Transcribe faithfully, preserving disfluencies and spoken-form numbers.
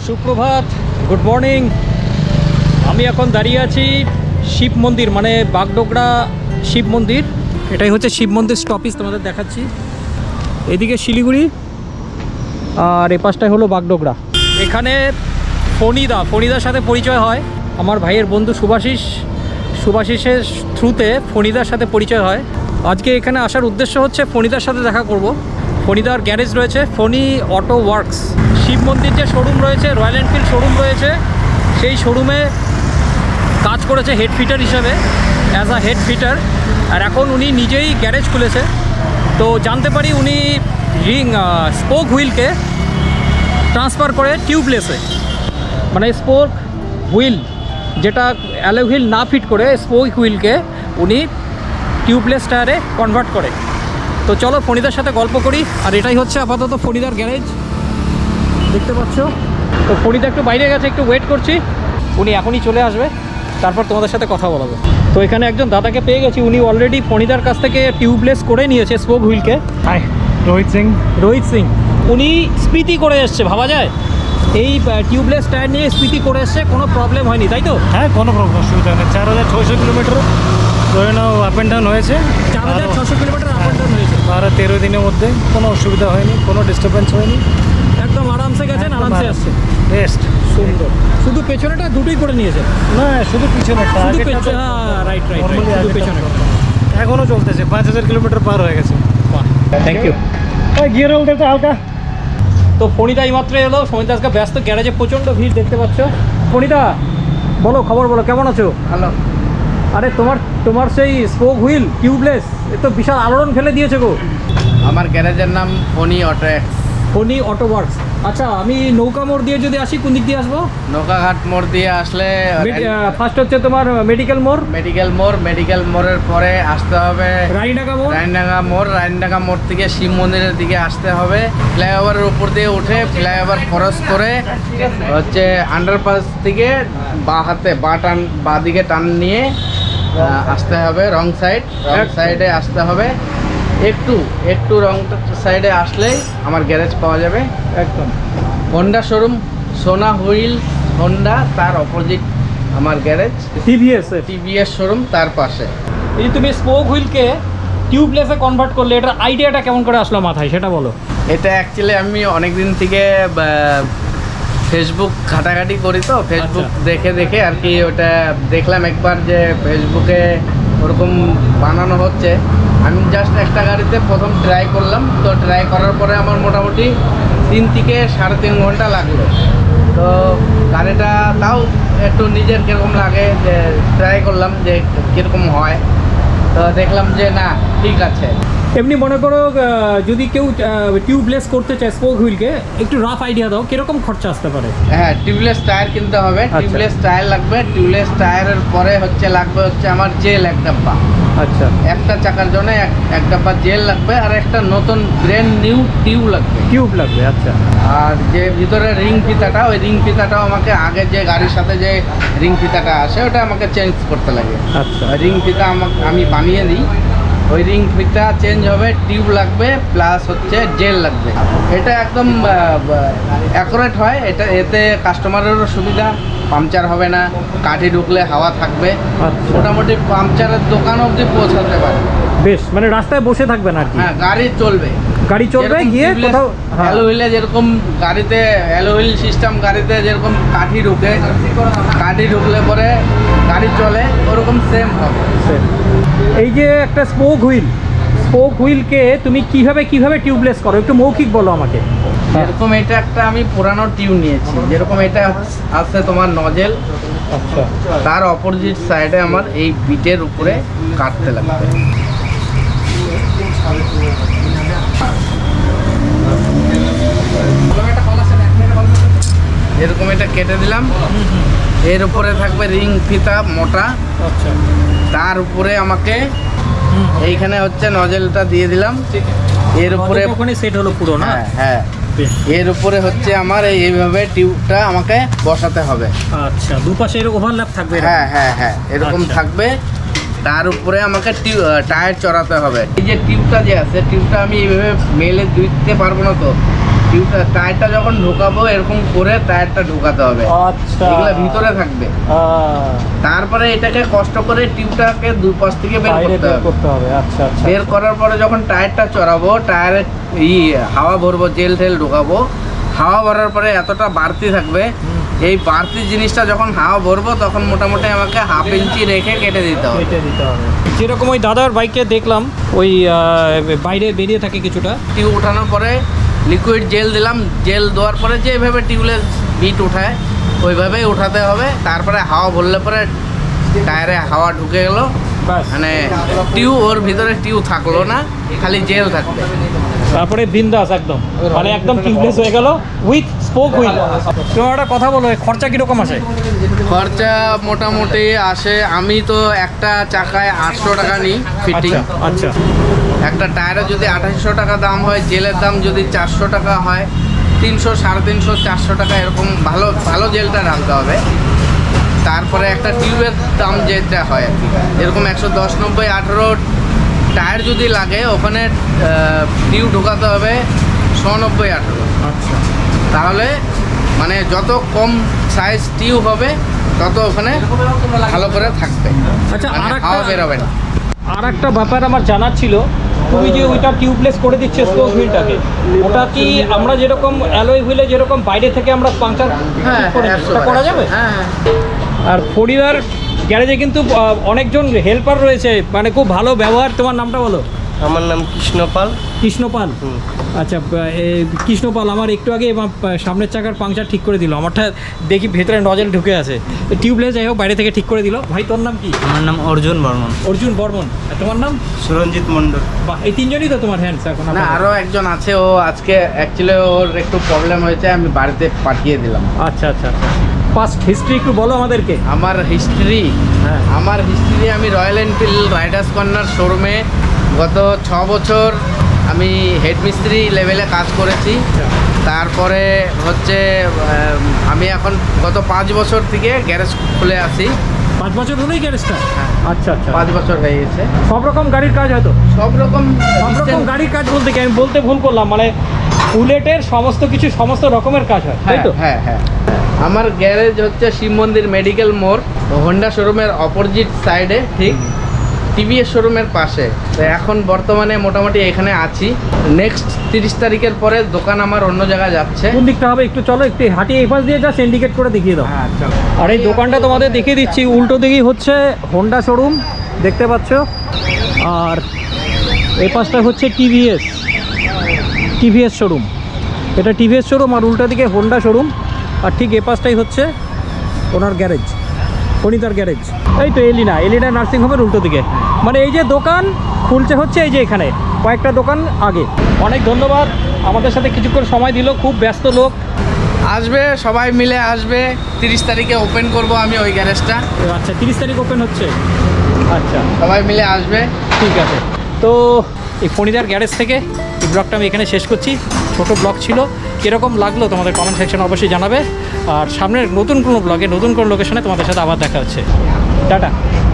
সুপ্রভাত, good morning. আমি এখন দাঁড়িয়ে আছি শিব মন্দির, মানে বাগডোগরা শিব মন্দির। এটাই হচ্ছে শিব মন্দির স্টপিজ, তোমাদের দেখাচ্ছি। এদিকে শিলিগুড়ি আর এ পাশটাই হলো বাগডোগরা। এখানে ফণিদা ফণিদার সাথে পরিচয় হয় আমার ভাইয়ের বন্ধু সুভাষিস সুভাষিসের থ্রুতে ফণিদার সাথে পরিচয় হয়। আজকে এখানে আসার উদ্দেশ্য হচ্ছে ফণিদার সাথে দেখা করব। ফণিদার গ্যারেজ রয়েছে ফণি অটো ওয়ার্কস। শিব মন্দির যে শোরুম রয়েছে, রয়্যাল এনফিল্ড শোরুম রয়েছে, সেই শোরুমে কাজ করেছে হেড ফিটার হিসাবে, অ্যাজ আ হেড ফিটার। আর এখন উনি নিজেই গ্যারেজ খুলেছে। তো জানতে পারি উনি রিং স্পোক হুইলকে ট্রান্সফার করে টিউবলেসে, মানে স্পোক হুইল যেটা অ্যালো হুইল না ফিট করে স্পোক হুইলকে উনি টিউবলেস টায়ারে কনভার্ট করে। তো চলো ফণিদার সাথে গল্প করি। আর এটাই হচ্ছে আপাতত ফণিদার গ্যারেজ, দেখতে পাচ্ছ। তো ফণিদা একটু বাইরে গেছে, একটু ওয়েট করছি, উনি এখনই চলে আসবে, তারপর তোমাদের সাথে কথা বলাবো। তো এখানে একজন দাদাকে পেয়ে গেছি, উনি অলরেডি ফণিদার কাছ থেকে টিউবলেস করে নিয়েছে স্পোক হুইলকে। হাই, রোহিত সিং। রোহিত সিং উনি স্পিতি করে এসছে, ভাবা যায় এই টিউবলেস টায়ার নিয়ে স্পিতি করে এসছে, কোনো প্রবলেম হয়নি, তাই তো? হ্যাঁ, কোনো প্রবলেম অসুবিধা নেই। চার হাজার ছয়শো কিলোমিটার ধরে নাও আপ অ্যান্ড ডাউন হয়েছে। চার হাজার ছশো কিলোমিটার আপ অ্যান্ড ডাউন হয়েছে বারো তেরো দিনের মধ্যে কোনো অসুবিধা হয়নি, কোনো ডিস্টারবেন্স হয়নি, একদম আরামসে গেছেন, আরামসে আসছে। বেস্ট, সুন্দর। শুধু পেছনেটা দুটোই করে নিয়েছে? না, শুধু পিছনে। শুধু পেছনে, হ্যাঁ রাইট রাইট, শুধু পেছনে। এখনও চলতেছে, পাঁচ হাজার কিলোমিটার পার হয়ে গেছে। Thank you. গিয়ার হোল্ড তো হালকা। তো ফণিদা এইমাত্র এলো। ফণিদা আজকে ব্যস্ত, গ্যারেজে প্রচণ্ড ভিড় দেখতে পাচ্ছ। ফণিদা বলো, খবর বলো, কেমন আছো? হ্যালো। আরে তোমার তোমার সেই স্পোক হুইল টিউবলেস, এ তো বিশাল আলোড়ন ফেলে দিয়েছে গো। আমার গ্যারেজের নাম ফণি অটো এক্স। Phani auto works. আচ্ছা, আমি নৌকা মোড় দিয়ে যদি আসি কোন দিক দিয়ে আসবো? নৌকাঘাট মোড় দিয়ে আসলে ফার্স্ট হচ্ছে তোমার মেডিকেল মোড়। মেডিকেল মোড়, মেডিকেল মোড়ের পরে আসতে হবে রানীডাঙ্গা মোড়। রানীডাঙ্গা মোড়, রানীডাঙ্গা মোড় থেকে শিব মন্দিরের দিকে আসতে হবে। ফ্লাইওভারের উপর দিয়ে উঠে ফ্লাইওভার ক্রস করে হচ্ছে আন্ডারপাস থেকে বা হাতে বা টান বা দিকে টান নিয়ে আহ, আসতে হবে রং সাইড। রং সাইডে আসতে হবে, একটু একটু রং সাইডে আসলেই আমার গ্যারেজ পাওয়া যাবে। একদম Honda showroom, Sona wheel Honda, তার অপোজিট আমার গ্যারেজ। টিভিএস। টিভিএস শোরুম তার পাশে। এই তুমি স্পোক হুইলকে টিউবলেসে কনভার্ট করলে, এটার আইডিয়াটা কেমন করে আসলো মাথায় সেটা বলো। এটা অ্যাকচুয়ালি আমি অনেক দিন থেকে ফেসবুক ঘাটাঘাটি করি, তো ফেসবুক দেখে দেখে আর কি ওটা দেখলাম একবার যে ফেসবুকে ওরকম বানানো হচ্ছে। আমি জাস্ট একটা গাড়িতে প্রথম ট্রাই করলাম। তো ট্রাই করার পরে আমার মোটামুটি তিন থেকে সাড়ে তিন ঘন্টা লাগলো। তো গাড়িটা তাও একটু নিজের কীরকম লাগে যে ট্রাই করলাম যে কীরকম হয়। তো দেখলাম যে না, ঠিক আছে। এমনি মনে করো যদি কেউ টিউবলেস করতে চায় স্পোক হুইলকে, একটু রাফ আইডিয়া দাও কিরকম খরচা আসতে পারে? হ্যাঁ, টিউবলেস টায়ার কিনতে হবে। টিউবলেস টায়ার লাগবে। টিউবলেস টায়ারের পরে হচ্ছে লাগবে হচ্ছে আমার জেল এক ডাব্বা। আচ্ছা, একটা চাকার জন্য এক এক ডাব্বা জেল লাগবে, আর একটা নতুন ব্র্যান্ড নিউ টিউব লাগবে। টিউব লাগবে। আচ্ছা, আর যে ভিতরে রিং ফিতাটা, ওই রিং ফিতাটাও আমাকে আগে যে গাড়ির সাথে যে রিং ফিতাটা আসে ওটা আমাকে চেঞ্জ করতে লাগে। আচ্ছা। রিং ফিতা আমাকে আমি বানিয়ে দিই, ওই রিং ফিতা চেঞ্জ হবে। টিউব লাগবে প্লাস হচ্ছে জেল লাগবে। এটা একদম অ্যাকুরেট হয়। এটা এতে কাস্টমারেরও সুবিধা, পাংচার হবে না, কাঠি ঢুকলে হাওয়া থাকবে। আচ্ছা। মোটামুটি পাংচারের দোকান অবধি পৌঁছাতে পারে। বেশ, মানে রাস্তায় বসে থাকবে না আর কি। হ্যাঁ, গাড়ি চলবে, গাড়ি চলবে, গিয়ে কোথাও অ্যালো হুইলে যেরকম গাড়িতে অ্যালো হুইল সিস্টেম, গাড়িতে যেরকম কাঠি ঢুকে, কাঠি ঢুকলে পরে গাড়ি চলে, ওরকম সেম হবে। এই যে একটা স্পোক হুইল, স্পোক হুইলকে তুমি কিভাবে কিভাবে টিউবলেস করো, একটু মৌখিক বলো আমাকে। যেরকম এটা একটা আমি পুরানো টিউব নিয়েছি, যেরকম এটা আছে তোমার নজেল। আচ্ছা, তার অপোজিট সাইডে আমার এই বিটের উপরে কাটতে লাগবে। এরকম এটা কেটে দিলাম। এর উপরে থাকবে রিং ফিতা মোটা। আচ্ছা, তার উপরে আমাকে এইখানে হচ্ছে নজেলটা দিয়ে দিলাম। এর উপরে ওখানে সেট হলো পুরো না? হ্যাঁ হ্যাঁ, এর উপরে হচ্ছে আমার এইভাবে টিউবটা আমাকে বসাতে হবে। আচ্ছা, দুপাশে এর ওভারল্যাপ থাকবে? হ্যাঁ হ্যাঁ হ্যাঁ, এরকম আচ্ছা। থাকবে। তার উপরে আমাকে টায়ার চড়াতে হবে। এই যে টিউবটা যে আছে, টিউবটা আমি এইভাবে মেলে দিতে পারবো না, তো টিউবটা টায়ারটা যখন ঢোকাবো এরকম করে টায়ারটা ঢোকাতে হবে, আচ্ছা এগুলো ভিতরে থাকবে। আহ, তারপরে এটাকে কষ্ট করে টিউবটাকে দুই পাশ থেকে বের বাইরে করতে বের হবে। করতে হবে। আচ্ছা আচ্ছা বের করার পরে যখন টায়ারটা চড়াবো, টায়ারে ই হাওয়া ভরবো, জেল টেল ঢোকাবো, হাওয়া ভরার পরে এতটা বাড়তি থাকবে, এই বাড়তি জিনিসটা যখন হাওয়া ভরবো তখন মোটামুটি আমাকে হাফ ইঞ্চি রেখে কেটে দিতে হবে। কেটে দিতে হবে। যেরকম ওই দাদার বাইকে দেখলাম ওই আহ, বাইরে বেরিয়ে থাকে কিছুটা। টিউব ওঠানোর পরে লিকুইড জেল দিলাম, জেল দেওয়ার পরে যেভাবে টিউবলেস বিট উঠায় ওইভাবেই উঠাতে হবে। তারপরে হাওয়া ভরলে পরে টায়ারে হাওয়া ঢুকে গেল, ব্যাস মানে টিউব ওর ভিতরে টিউব থাকলো না, খালি জেল থাকবে। তারপরে বিন্দাস একদম, মানে একদম টিউবলেস হয়ে গেল উইথ স্পোক হুইল। তোমার একটা কথা বলো, এর খরচা কীরকম আসে? খরচা মোটামুটি আসে, আমি তো একটা চাকায় আটশো টাকা নিই ফিটিং। আচ্ছা আচ্ছা একটা টায়ারে যদি আঠাশশো টাকা দাম হয়, জেলের দাম যদি চারশো টাকা হয়, তিনশো সাড়ে তিনশো চারশো টাকা এরকম ভালো ভালো জেলটা রাখতে হবে। তারপরে একটা টিউবের দাম যেটা হয় আর কি, এরকম একশো দশ নব্বই আঠেরো টায়ার যদি লাগে ওখানে টিউব ঢোকাতে হবে নব্বই আঠেরো। আচ্ছা তাহলে মানে যত কম সাইজ টিউব হবে তত ওখানে ভালো করে থাকবে, আচ্ছা, মানে আরেকটা- হাওয়া বেরোবে না। আর একটা ব্যাপার আমার জানার ছিল, তুমি যে ওইটা টিউবলেস করে দিচ্ছে স্পোক হুইলটাকে, ওটা কি আমরা যেরকম অ্যালয় হুইলে যেরকম বাইরে থেকে আমরা পাংচার হ্যাঁ করে দিই, একশো ওটা বার, করা একশো যাবে? বার। হ্যাঁ হ্যাঁ আর ফরিদার গ্যারেজে কিন্তু আহ, অনেকজন হেল্পার রয়েছে, মানে খুব ভালো ব্যবহার। তোমার নামটা বলো। আমার নাম কৃষ্ণপাল। কৃষ্ণপাল। আচ্ছা, বা- এ, কৃষ্ণপাল আমার একটু আগে আমার পা- সামনের চাকার পাংচার ঠিক করে দিল। আমারটা দেখি ভেতরে নজল ঢুকে আছে, টিউবলেস যাই হোক বাইরে থেকে ঠিক করে দিল। ভাই তোর নাম কি? আমার নাম অর্জুন বর্মন। অর্জুন বর্মন। আর তোমার নাম? সুরঞ্জিত মণ্ডল। বাহ, এই তিনজনই তো তোমার হ্যান্ডস এখন? না, আপাতত? আরও একজন আছে, ও আজকে অ্যাকচুয়ালি ওর একটু প্রবলেম হয়েছে, আমি বাড়িতে পাঠিয়ে দিলাম। আচ্ছা আচ্ছা আচ্ছা পাস্ট হিস্ট্রি একটু বলো আমাদেরকে। আমার হিস্ট্রি হ্যাঁ। আমার হিস্ট্রি আমি রয়্যাল এনফিল্ড রাইডার্স কর্নার শোরুমে গত ছ বছর আমি হেড মিস্ত্রি লেভেলে কাজ করেছি। তারপরে হচ্ছে আম, আমি এখন গত পাঁচ বছর থেকে গ্যারেজ খুলে আসি। পাঁচ বছর হলোই গ্যারেজটা? হ্যাঁ। আচ্ছা আচ্ছা পাঁচ বছর হয়ে গেছে। সব রকম গাড়ির কাজ হয়তো? সব রকম সব রকম গাড়ির কাজ বলতে কি, আমি বলতে ভুল করলাম, মানে বুলেটের সমস্ত কিছু সমস্ত রকমের কাজ হয়, তাই হ্যাঁ তো? হ্যাঁ হ্যাঁ আমার গ্যারেজ হচ্ছে শিব মন্দির মেডিকেল মোড়, হোন্ডা শোরুমের অপোজিট সাইডে, ঠিক টিভিএস শোরুমের পাশে। তো এখন বর্তমানে মোটামুটি এখানে আছি। নেক্সট তিরিশ তারিখের পরে দোকান আমার অন্য জায়গায় যাচ্ছে। কোন দিকটা হবে একটু চলো, একটু হাঁটিয়ে এই পাশ দিয়ে যা ইন্ডিকেট করে দেখিয়ে দাও। হ্যাঁ চলো। আর এই দোকানটা তোমাদের দেখিয়ে দিচ্ছি, উল্টো দিকেই হচ্ছে হোন্ডা শোরুম, দেখতে পাচ্ছ। আর এই পাশটা হচ্ছে টিভিএস টিভিএস শোরুম, এটা টিভিএস শোরুম, আর উল্টো দিকে হোন্ডা শোরুম। আর ঠিক এ পাশটাই হচ্ছে ওনার গ্যারেজ, ফণিতার গ্যারেজ। এই তো এলিনা এলিনা নার্সিংহোমের উল্টো দিকে, মানে এই যে দোকান খুলছে হচ্ছে এই যে এখানে কয়েকটা দোকান আগে। অনেক ধন্যবাদ আমাদের সাথে কিছুক্ষণ সময় দিল, খুব ব্যস্ত লোক। আসবে, সবাই মিলে আসবে। তিরিশ তারিখে ওপেন করব আমি ওই গ্যারেজটা। আচ্ছা, তিরিশ তারিখ ওপেন হচ্ছে। আচ্ছা সবাই মিলে আসবে। ঠিক আছে। তো এই ফণিদার গ্যারেজ থেকে এই ব্লগটা আমি এখানে শেষ করছি। ছোট ব্লগ ছিল, কীরকম লাগলো তোমাদের কমেন্ট সেকশনে অবশ্যই জানাবে। আর সামনের নতুন কোনো ব্লগে নতুন কোনো লোকেশনে তোমাদের সাথে আবার দেখা হচ্ছে। টাটা।